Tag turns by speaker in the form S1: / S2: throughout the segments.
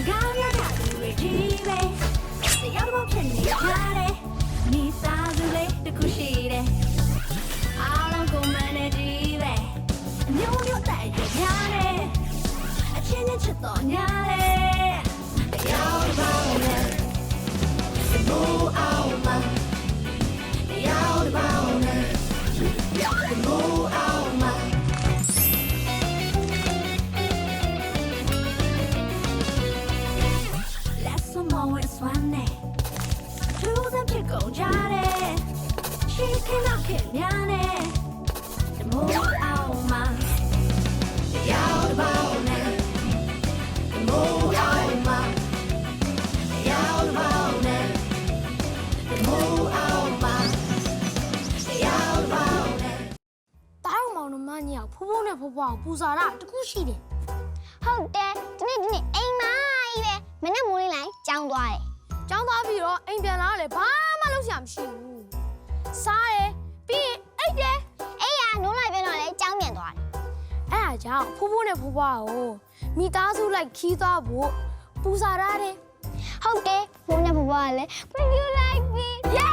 S1: ပူစားတာတခုရှိတယ်
S2: ဟုတ်တယ်ဒီနေ့အိမ်မာကြီးပဲမနေ့မိုးလေးလိုက်ကြောင်းသွားတယ်
S1: ကျောင်းသားပြီးတော့အိမ်ပြန်လာတယ်ဘာမှလုပ်စရာမရှိဘူးစားတယ်ပြီးရင်အိတ်တယ်
S2: အေးရနိုးလိုက်ပြန်တော့လေကြောင်းပြန်သွားတယ်
S1: အဲ့ဒါကြောင့်ဖိုးဖိုးနဲ့ဖိုးဖွားကိုမိသားစုလိုက်ခီးသွားဖို့ပူစားရတယ်
S2: ဟုတ်တယ်ဘုန်းနဲ့ဘဘကလည်း bring you like me
S1: yay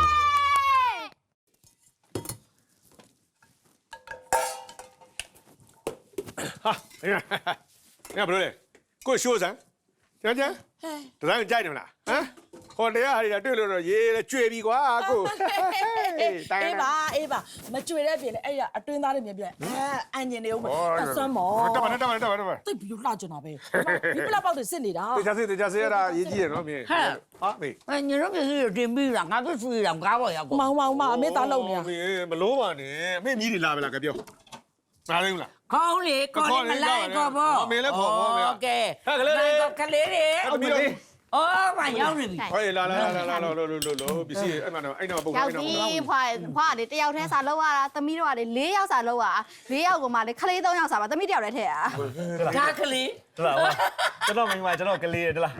S3: ဟာငါဘယ်လိုလဲကိုရှိုးစမ်းကျန်တတိုင်းကြိုက်တယ်မလားဟမ်ဟိုတရားဟာတွေတွေ့လို့တော့ရေးကြွေပြီကွာကို
S4: အေးပါမကြွေတဲ့ပြင်လေအဲ့ရအတွင်းသားတွေမြင်ပြအန်ညင်နေဦးမဆမ်းမော်
S3: တက်ပါ
S4: သိပြီလှကြတာပဲဒီပလက်ပေါက်တွေစစ်နေတာ
S3: တေချာစေရတာရေးကြည့်ရနော်မင်းဟာမေး
S5: ညတို့ပြည့်စုံတင်ပြီးတာငါတို့ဆွေးတာကားပေါ်ရောက်ကို
S4: မောင်အမေသားလုံနေတာ
S3: မင်းမလို့ပါနဲ့အမေမြည်တွေလာပဲလားကြပြောနားလိမ့်လား
S5: ခေါင်းလေကောလေးမလိုက်ကောဘော
S3: အမေလည်းခေါ်ဘောမေ
S5: โอเคကလေးတွေအော်မရောက်နေပြီ
S3: ဟေးလာပစ္စည်းအဲ့မှာတော့အဲ့တော့ပုတ်
S6: ရောက်ပြီဖွာလေတယောက်တည်းစာလောက်ရတာသမီးတို့ကလေ4ယောက်စာလောက်ရတာ4ယောက်ကိုမှလေခလေး3ယောက်စာပါသမီးတယောက်တည်းထည့်ရတာ
S5: ဒါကလေး
S7: တလားဝါကျွန်တော်မိန်းမကျွန်တော်ကလေးရတလား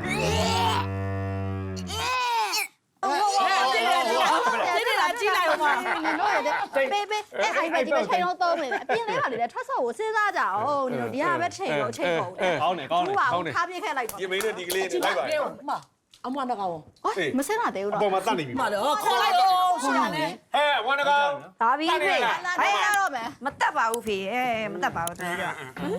S4: ကြီးလိုက်အောင်ပါ
S6: လို့ရတယ်ပေးအဲ့အိုင်ပဲဒီပဲချိန်တော့သုံးနေတယ်အပြင်လေးကလေထွက်ဆော့ကိုစဉ်းစားကြအောင်ဒီလိုဒီဟာပဲချိန်တော့ချိန်ကုန်တယ်
S7: ကောင်းတယ်
S6: ထားပြခဲ့လိုက်ပါ
S3: ဒီမင်းနဲ့ဒီကလေးနဲ့လိုက်ပါ
S4: အမနကောင်
S6: မစင်းတာသေးဘူး
S3: အ
S6: တော့
S3: ပေါ်မှာတတ်နေပြီ
S4: မလို့ခေါ်လိုက်တော့ရှိရတယ်
S3: ဟဲ့ဝါနကောင်
S6: ဒါပြီးပြီဟဲ့ရတော့မယ်
S8: မတက်ပါဘူးဖေမတက်ပါဘူးတမီးတို့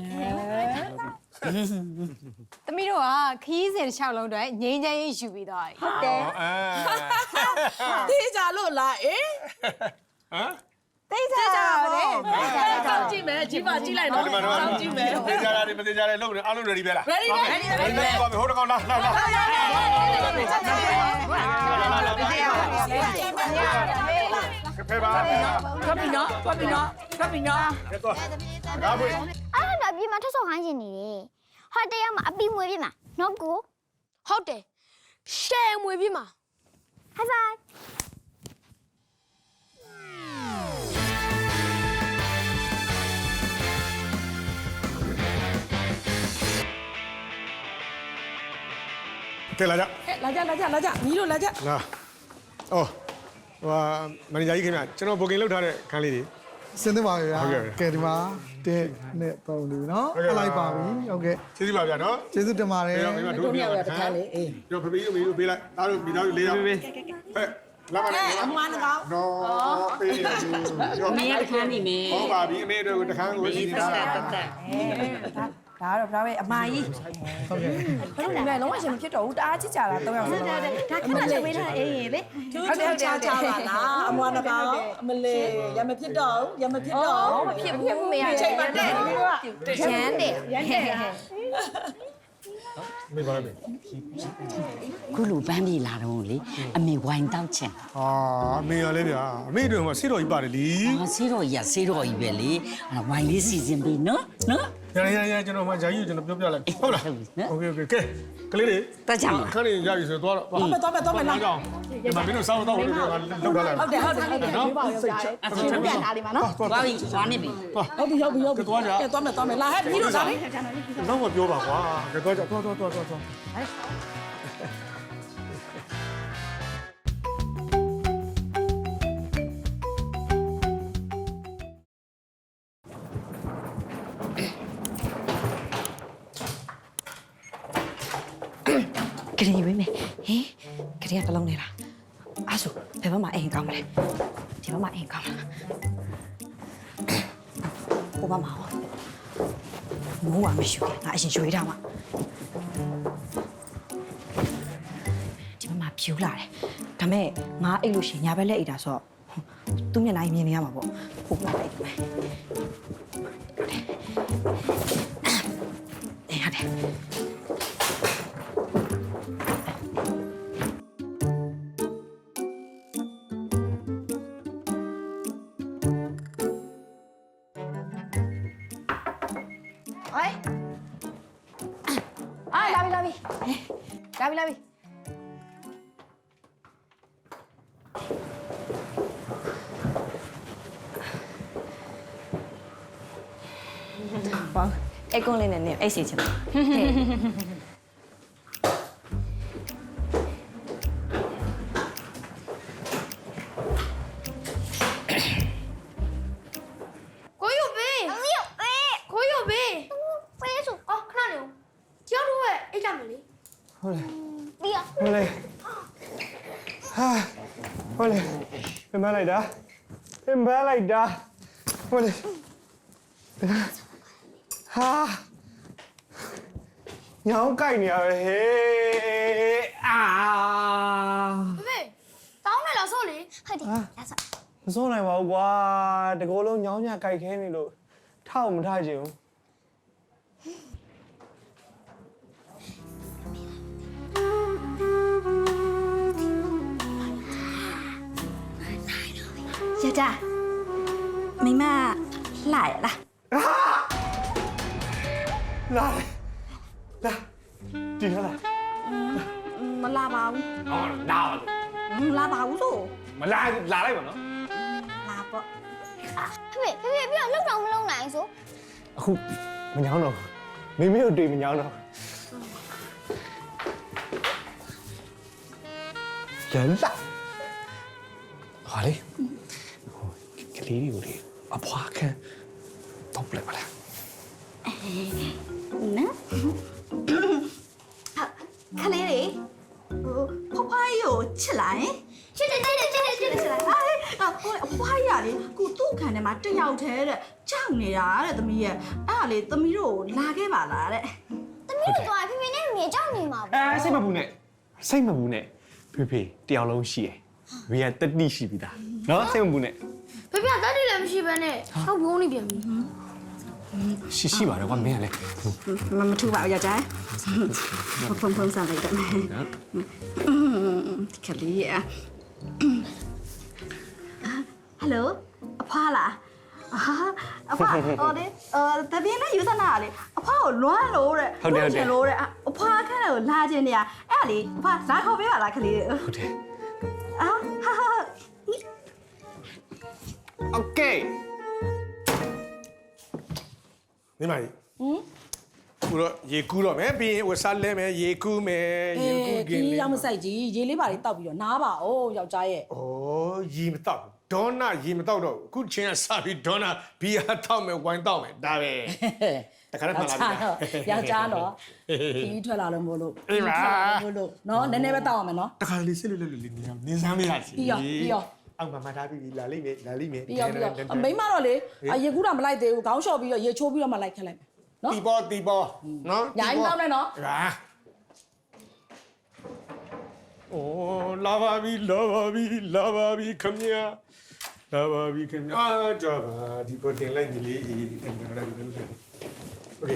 S8: သမီးတို့ကခီးစင်တစ်ချောင်းလုံးတွေငိမ့်ချမ်းရေးယူပြီးသွားပြီဟုတ်တယ်
S4: တေးကြလို့လားအေး
S3: ဟမ်
S8: သိစားကြတယ်
S4: တောင်းကြည့်မယ်ကြီးပါကြည့်လိုက်တော့တောင်းကြည့်မယ်
S3: တေချာရတယ်မတေချာရတယ်လုံးနေအားလုံး ready ပဲလား
S4: ready
S3: ပါမယ်ဟိုတကောင်လာဖေးပါ
S5: ကပ်ပြီနော်
S3: တော့
S2: အဲ့ဒါပြင်မှာထဆော့ခိုင်းနေတယ်ဟောတရားမှာအပီမွေးပြင်မှာနော်ကို
S1: ဟုတ်တယ်ရှယ်မွေပြမှာ
S2: ဟိုင်ဖိုင်
S3: ကဲလာကြ
S4: လာကြညီတို့လာကြ
S3: လာအော်ဟိုမန်နေဂျာကြီးခင်ဗျကျွန်တော် booking လုပ်ထားတဲ့ခန်းလေးတွေ
S9: စင်းသပါဗျာကဲဒီမှာ1နဲ့3လူနော်အလိုက်ပါပြီဟုတ်ကဲ့
S3: ကျေးဇူးပါဗျာနော်
S9: ကျေးဇူးတင်ပါတယ်
S3: မိမတို့မြောက်တခါလေးအေးပြောဖေးတို့ပေးလိုက်သားတို့မိသားစု၄ယောက်ဟဲ့လာပါနဲ့
S4: အမနကောင်
S3: နော်ပေးရဘူး
S5: မင်းတခါနေမယ်
S3: ဟုတ်ပါပြီအမေတို့တခါကိုစီးနေတာ
S8: ဒါတော့ဒါပဲအမကြီးဟုတ်ကဲ့ဘယ်လိုလဲလုံးဝရှင်မဖြစ်တော့ဘူးတအားချစ်ကြတာ3ယောက်စလုံး
S6: ဒါခဏချက်ပေးထားအေးရင်လေ
S4: ဟုတ်တယ်ချာပါလားအမနကောင်အမလေးရမဖြစ်တော့ရမဖြစ်တော့
S8: မဖြစ်ဘူးမေရ
S4: ချိန်ပါနဲ့
S8: ရမ်းတယ်
S3: မေးပါမယ်
S5: ခုလိုပန်းပြေလာတော့လေအမေဝိုင်းတောက်ချင်
S3: ဟာအမေရလဲဗျာအမေတို့ကဆေးတော်ကြီးပါတယ်လी
S5: ဟာဆေးတော်ကြီးပဲလေဝိုင်းလေးစီစဉ်ပေးနော်
S3: ရကျွန်တော်မှဂျာကြီးကိုကျွန်တော်ပြောပြလိုက်ဟုတ်လားโอเคကဲကလေးတွေ
S5: တက်ကြမှာ
S3: ခဏနေရပြီဆိုတော့သွား
S4: တော့မယ်လာ
S3: ကြောင်းဒီမှာမင်းတို့စောင်းတော့လို့လောက်ထားလိုက်
S4: ဟုတ်တယ်
S3: နော်
S6: ပြန်ထားလိမ့်မှာနော်
S5: သွားပြီသွားနေပြီ
S4: ဟုတ်ပြီသွားမယ်လာဟဲ့ညီတို့လာလေ
S3: တော့မပြောပါကွာကဲသွားကြသွား
S8: ရီဝေးမယ်ဟင်ကရီကတလုံးနေလားအဲ့ဆိုဘယ်ဘက်မှာအိမ်ကောင်းမလဲဒီဘက်မှာအိမ်ကောင်းလားဟိုဘက်မှာမိုးဝမရှိဘူးငါအရင်ရွေးထားမှာဒီဘက်မှာဖြူလာတယ်ဒါမဲ့ငါအိတ်လို့ရှိရင်ညာဘက်လက်အိတ်တာဆိုတော့သူ့မျက်နှာမြင်နေရမှာပေါ့ဟုတ်လားအိတ်မယ်ရတယ်
S6: လာပြီ
S8: ဘောအိတ်ကုန်းလေးနဲ့နေအိတ်စီချင်တယ်
S1: ကိုယူဘေး
S2: အမေအေး
S1: ကိုယူဘေး
S2: ဖေးဆို
S1: အော်ခဏနေဦးကျောင်းတို့ရဲ့အိတ်ကြမယ်လေ
S7: ဟုတ်လေ
S2: ဒီရ
S7: ဟုတ်လေဟာဟုတ်လေပြန်မလိုက်တာပြန်မလိုက်တာဟုတ်လေဟာညောင်းကြိုက်နေရပဲဟေးအာ
S1: ဘေးတောင်းနေလားဆိုလေ
S2: ဟုတ်တယ်လာစ
S7: မစိုးနိုင်ပါဘူးကွာတကောလုံးညောင်းညကြိုက်ခဲနေလို့ထောက်မထားချင်ဘူး
S8: ယောက်ျားမိမလှရလား
S7: လာလာဒီဟလား
S8: မလာပါဘူး
S7: အော်လာပါလို့
S8: မလာပါဘူးလို့
S7: မလာလာလိုက်ပါနော်
S8: လာပေါ့
S2: ဖေးပြီးတော့လောက်တော့မလုံးနိုင်ဆို
S7: အခုမညောင်းတော့မိမိတို့တွေ့မညောင်းတော့ရန်လာဟာလေကလေးတွေကိုလေအဖွားခံတော့ပြလိုက်ပါလား
S8: နော်ခလေးလေဟိုဖွားကြီးကိုချစ်လိုက်ချစ်တယ်ချစ်လိုက်အဖွားကြီးကလေကိုသူ့ခံထဲမှာတယောက်တည်းတဲ့ကြောက်နေတာတဲ့သမီးရဲ့အဲ့ဒါလေသမီးတို့လာခဲ့ပါလားတဲ့
S2: သမီးတို့သွားဖေးနဲ့မြေကြောက်နေမှာပေါ့
S7: စိတ်မပူနဲ့စိတ်မပူနဲ့ဖေဖေတယောက်လုံးရှိရယ်ဝေးကတတိရှိပြီသားနော်စိတ်မပူနဲ့
S1: ဖေဖေကတတ်တယ်လည်းမရှိဘဲနဲ့ဟောက်ဘုံနေပြန်ပြီ
S7: ရှိပါတယ်ကွာမင်းကလေ
S8: မထူပါဘူးယောက်ျားဖုန်းစားလိုက်တယ်ခလေးရဟယ်လိုအဖွားလားအဖွားဟောလေတပြင်းနဲ့ယူသနာလေအဖွားကိုလွမ်းလို့တဲ့လို့တဲ့အဖွားခန့်ကိုလာခြင်းနေရအဲ့ဒါလေအဖွားလာခေါ်ပေးပါလားခလေး
S7: ဟုတ်တယ်
S8: အာဟာ
S7: โอเค
S3: မိမကြီးခုတော့ရေကူးတော့မယ်ပြီးရင်ဝစားလဲမယ်ရေကူးမယ်ရေကူးက
S4: ဒီ
S3: င်းလေး
S4: ရောက်မဆိုင်ကြီးရေလေးပါလေးတောက်ပြီးတော့နားပါအောင်ယောက်ျားရဲ့
S3: ဩရေမတော့ဒေါနာရေမတော့တော့အခုချင်းကစပြီးဒေါနာဘီယာတောက်မယ်ဝိုင်းတောက်မယ်ဒါပဲတခါတည်းမှလာပြီ
S4: ယောက်ျားတော့ခီးထွက်လာလို့မို့လို့
S3: အေးပါ
S4: မို့လို့နော်နည်းနည်းပဲတောက်အောင်မယ်နော်
S3: တခါလေးစစ်လို့နေနင်းစမ်းမရစီ
S4: ပြီးရော
S3: အောက်မှာမထားပြီးလာလိမ့်မယ်လာလိမ့်မယ်
S4: ပြီးရောအမိမတော့လေရေကူးတာမလိုက်သေးဘူးခေါင်းလျှော့ပြီးတော့ရေချိုးပြီးတော့မှလိုက်ခက်လိုက်မယ်နော်
S3: တီပေါ်နော်
S4: ညာရင်တောင်းနေနော်
S3: ဟာအိုးလာပါပြီခမညာလာပါပြီခမညာကြောပါဒီပေါ်တင်လိုက်နေလေဒီတင်လိုက်နေလို့โอเค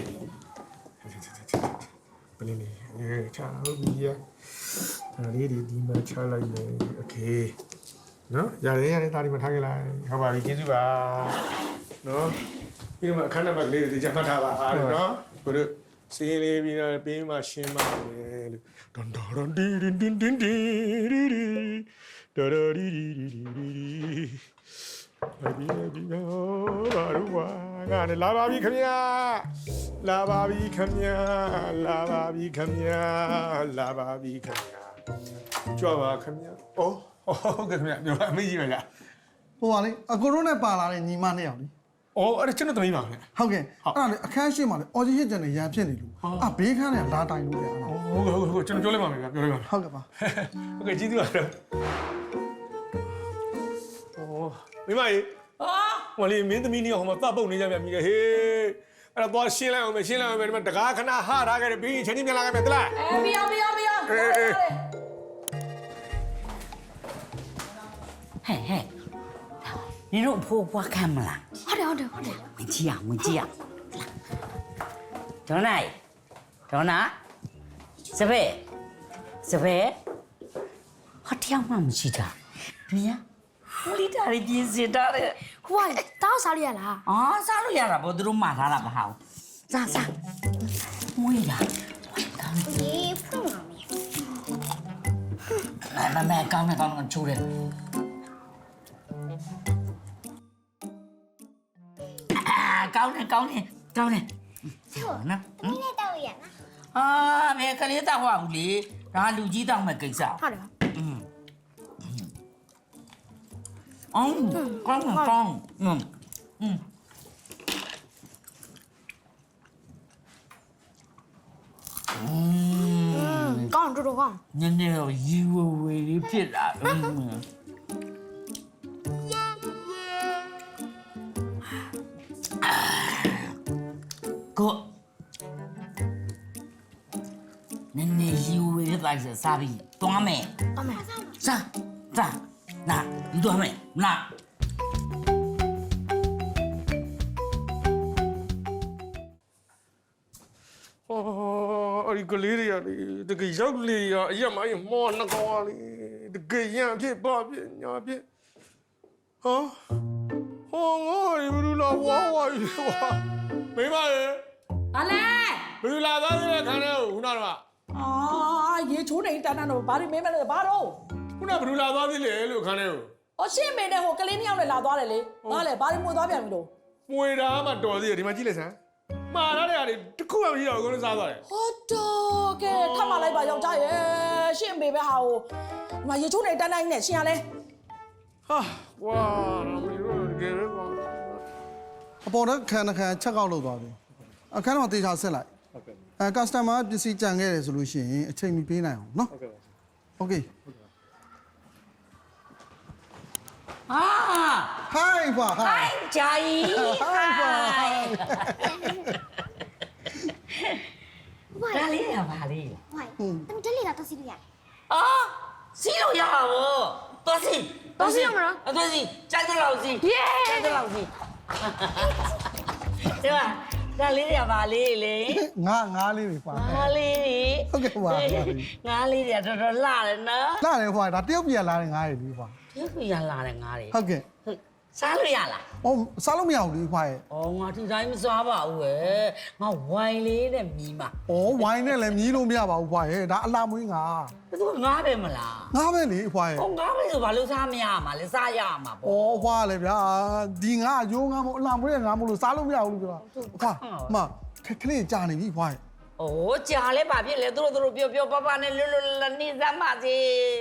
S3: ဘယ်နည်းချာဟုတ်ပြီရဒါလေးဒီမှာချလိုက်မယ်โอเคနော်ရတယ်ဒါဒီမှာထားခဲ့လိုက်ဟုတ်ပါပြီကျေးဇူးပါနော်ပြီးတော့အခန်းနံပါတ်လေးတွေကြမှတ်ထားပါအားနော်ကိုတို့စီးလေးပြီးတော့ပေးမှရှင်းပါမယ်လို့ဒွန်ဒွန်ဒီဒင်ဒင်ဒင်ဒီဒီဒီဒရဒီဒီဒီဒီဒီဘာလို့ဝါငါနဲ့လာပါပြီခင်ဗျာလာပါပြီခင်ဗျာလာပါပြီခင်ဗျာလာပါပြီခင်ဗျာကြွပါခင်ဗျာအိုးဟုတ်ကဲ့ခင်ဗျာပြောအမေကြီးပါလား
S9: ဟိုပါလေအကိုတို့နဲ့ပါလာတဲ့ညီမနှစ်ယောက်လေ
S3: ဩအော်အဲ့ဒါကျွန်တော်သမီးပါခင်ဗျ
S9: ဟုတ်ကဲ့အဲ့ဒါလေအခန်းရှိမှလေအော်ဂျီဟစ်ကျန်နေရန်ဖြစ်နေလို့ဘေးခန်းနဲ့လာတိုင်လို့လေအဲ့ဒါ
S3: ဟုတ်ကျွန်တော်ပြောလိုက်ပါမယ်ဗျပြောလိုက်ပါမယ်
S9: ဟုတ်ကဲ့ပါ
S3: ဟုတ်ကဲ့ကျေးဇူးပါတော့မိမကြီးဟိုလေမင်းသမီးနေဟိုမှာတပ်ပုတ်နေကြပြန်ပြီဟေးအဲ့တော့သွားရှင်းလိုက်အောင်မယ်ဒီမှာတကားခဏဟထားခဲ့တယ်ပြီးချင်းချင်းပြန်လာခဲ့မယ်တလား
S4: ပြရ
S5: ဟဲ့你တို့ဖိုးဖွားခံမလား
S1: ဟုတ်တယ်
S5: ဝင်ကြည့်အောင်ဒေါနာစပယ်ဟာတယောက်မှမရှိတာဒီရမလီတာရီပြင်းစစ်တာတဲ့
S1: ဟိုကတောက်စားရလား
S5: အော်စားလို့ရတာဗောသူတို့မှာထားတာမဟုတ်စားမွေးတာ
S2: ဒီဖုန်းမှာ
S5: မကောင်းချိုးတယ်ကောင်းတယ်နော်
S2: နည်းနည်းတော့ရနော်
S5: ဘယ်ကလေးတောက်ဟောဘူးလေဒါလူကြီးတောက်မဲ့ကိစ္စ
S1: ဟုတ်တယ်
S5: ကောင်း
S1: ကောင်းတော်ကောင်း
S5: နည်းနည်းတော့ရီဝဝေလေးဖြစ်လာကိုနည်းနည်းရီဝဝေလေးတိုင်းစားပြီးတွားမယ်
S1: အမေ
S5: စားနာဒီတွားမယ်နာ
S3: အဲ့ဒီကလေးတွေကလေတကယ်ရောက်လေရအရက်မအရင်မောနှကောင်လေတကယ်ရံဖြစ်ပါဖြစ်ညာဖြစ်ဟောငါရီဘူးလာဝါမိမရေ
S4: ဘာလဲ
S3: ဘယ်လိုလာသားသေးလဲခန်းထဲခုနကတော့
S4: ရေချိုးနေတန်းတော့ဘာတွေမင်းမလဲဘာတော့
S3: ခုနဘယ်လိုလာသားသေးလဲလို့ခန်းထဲကို
S4: ရှင်းမင်းနဲ့ဟိုကလေးနှစ်ယောက်နဲ့လာသွားတယ်လေဘာလဲဘာတွေမွေသွားပြန်ပြီလို့
S3: မွေတာမှတော်သေးတယ်ဒီမှာကြည့်လိုက်စမ်းမှားထားတဲ့ဟာတွေတစ်ခုမှမရှိတော့ဘူးအကုန်လုံးစားသွားတယ်
S4: ဟုတ်တော့ကဲထပ်မလိုက်ပါယောက်ျားရဲ့ရှင်းမေပဲဟာဟိုဒီမှာရေချိုးနေတန်းတိုင်းနဲ့ရှင်းရလဲ
S3: ဟာဝါတော့မင်းတို့တကယ်ပဲကွာ
S9: အပေါ်တော့ခန်းချက်ကောက်လုပ်သွားပြီအခန်းတော့တေချာဆက်လိုက်ကစတမာပစ္စည်းကြံခဲ့တယ်ဆိုလို့ရှိရင်အချိန်မီပေးနိုင်အောင်နော်โอเค
S5: ဟာ
S9: ဟိုင်းပါဟိုင်း
S5: ဂျာကြီး
S9: ဟိုင်းပါ
S5: ဒါလေးရပါလေ
S2: ဟိုင်တမတလေးလာတော့စီးလို့ရတယ်
S5: အော်စီးလို့ရပါဘောတော်စီတော်စီကြိုက်တော့လောက်စီကြိုက်တော့လောက်စီဒီမှာဒါလေးရပါလေလေ
S9: ငါလေးတွေပါ
S5: ငါလေး
S9: ဟုတ်ကဲ့ပါ
S5: ငါလေးတွေတော်တော်လှတယ်နော်
S9: လာတယ်ဟိုဒါတယောက်ပြန်လာတယ်ငါးရည်ဒီပါ
S5: ဒီကရလာတယ်ငါတွေ
S9: ဟုတ်ကဲ့
S5: စားလို့ရလား
S9: ဟိုစားလို့မရဘူးလေခွာရဲ့
S5: အော်ငါဒီတိုင်းမစားပါဘူးပဲငါဝိုင်လေးနဲ့မြည်မှာ
S9: ဩဝိုင်းနဲ့လည်းမြည်လို့မရပါဘူးခွာရဲ့ဒါအလားမွေးငါ
S5: သူကငါပဲမလား
S9: ငါပဲလေခွာရဲ့
S5: ဟောငါပဲဆိုဘာလို့စားမရမှာလဲစားရမှာပေါ့
S9: ဩခွာလေဗျာဒီငါရိုးငါမို့အလားမွေးငါမို့လို့စားလို့မရဘူးလို့ပြောခွာမခလေးကြာနေပြီခွာရဲ့
S5: ။အိုးကြာလဲဘာဖြစ်လဲသူတို့ပြောပပနဲ့လွတ်လပ်နေစမ်းပါစေ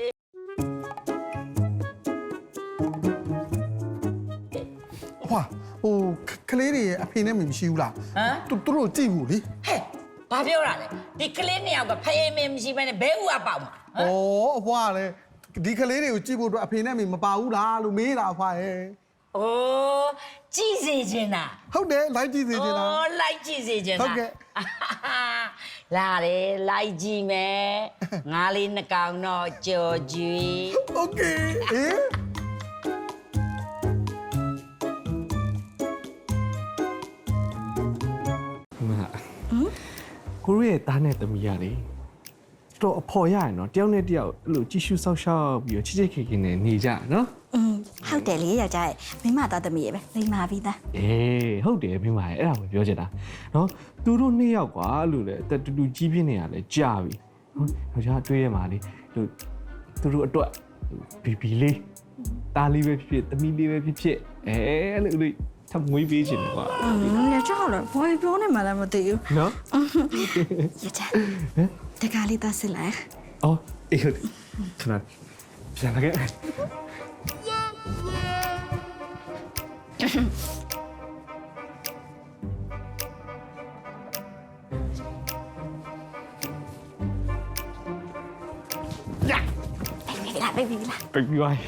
S9: ခွာဟိုခလေးတွေရဲ့အဖေနဲ့မမရှိဘူးလား
S5: ။ဟမ်
S9: သူတို့ကြည့်ဘူးလေ
S5: ဟဲ့ဘာပြောရလဲဒီကလေးနှစ်ယောက်ကဖယေမင်းမရှိဘဲနဲ့ဘဲဥအပေါက်မှာ
S9: ဩအဖွားလေဒီခလေးတွေကိုကြည့်ဖို့အတွက်အဖေနဲ့မပါဘူးလားလို့မေးတာအဖွားရဲ့
S5: ။အိုးကြည့်စေချင်တာ
S9: ဟုတ်တယ်လိုက်ကြည့်စေချင်တာ
S5: အိုးလိုက်ကြည့်စေချင်တာ
S9: ဟုတ်ကဲ့
S5: လာတယ်လိုက်ကြည့်မယ်ငါလေးနှကောင်တော့ကြော်ကြွေ
S9: โอเคဟင်
S7: ကိုရရဲ့သားနဲ့သမီးရလေတော်အဖော်ရရနော်တယောက်နဲ့တယောက်အဲ့လိုကြည့်ရှုဆောက်ရှောက်ပြီးတော့ချစ်ချစ်ခင်ခင်နဲ့နေကြနော်
S8: ဟုတ်တယ်လေယောက်ျားရဲ့မိမသားသမီးရဲ့ပဲလိမ္မာပြီးသား
S7: အေးဟုတ်တယ်မိမရဲ့အဲ့ဒါကိုပြောချင်တာနော်သူတို့နှစ်ယောက်ကွာလို့လေအသက်တူတူကြီးပြင်းနေရလဲကြာပြီနော်ယောက်ျားတွေးရမှာလေလို့သူတို့အတွက်ဘီဘီလေးတားလေးပဲဖြစ်သမီးလေးပဲဖြစ်အဲ့လိုလေးထပ်မွေးပေးချင်တယ်ကွာ
S8: ယောက်ျားဟုတ်လားဘာပြောနေမှလည်းမသိဘူး
S7: နော်
S8: ယောက်ျားတကားလေးသားစစ်လိုက်
S7: အော်အေးဟုတ်ခဏပြန်လာခဲ့
S8: ဟ
S2: ပိတ်ပြီလား
S7: ပိတ်ပြီးပါ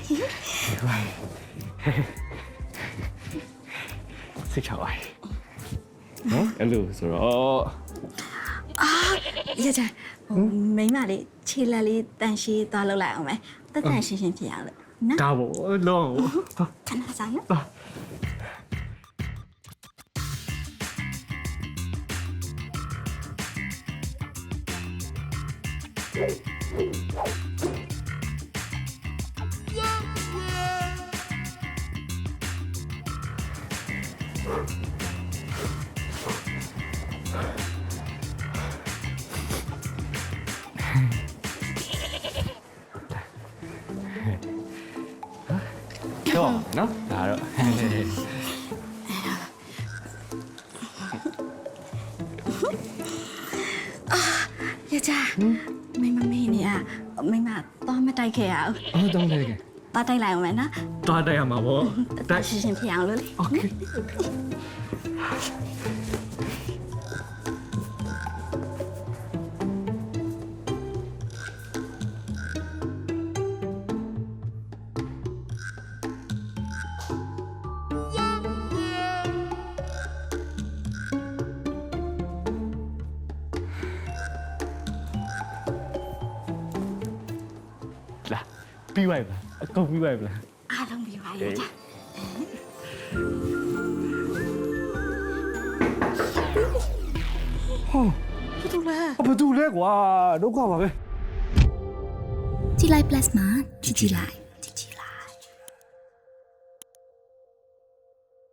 S7: စိတ်ချပါနော်အဲ့လိုဆိုတော့
S8: ရကြမိမလေးခြေလက်လေးတန်ရှည်သွားလောက်လိုက်အောင်မယ်တက်တန်ရှင်းရှင်းဖြစ်အောင်လို့နော်
S7: ဒါပေါ့လုံး
S8: ခဏစားနော်
S7: တော့နော်ဒါတော့
S8: ရကြမိမမေးနေရမိမသွားမတိုက်ခဲ့ရအောင်
S7: အော်တော့လေ
S8: သွားတိုက်လိုက်အောင်မယ်နော်
S7: တွားတိုက်ရမှာပေါ့
S8: တက်ရှင်းရှင်းဖြစ်အောင်လို့လေ
S7: โอเค လာပြီးပါပြီလားအကုန်ပြီးပါပြီလား
S8: အားလုံးပြီးပါရကြ
S7: ဘာတူလဲကွာဒုက္ခပါပဲ
S2: ကြည်လိုက် plus မှာကြည်လိုက်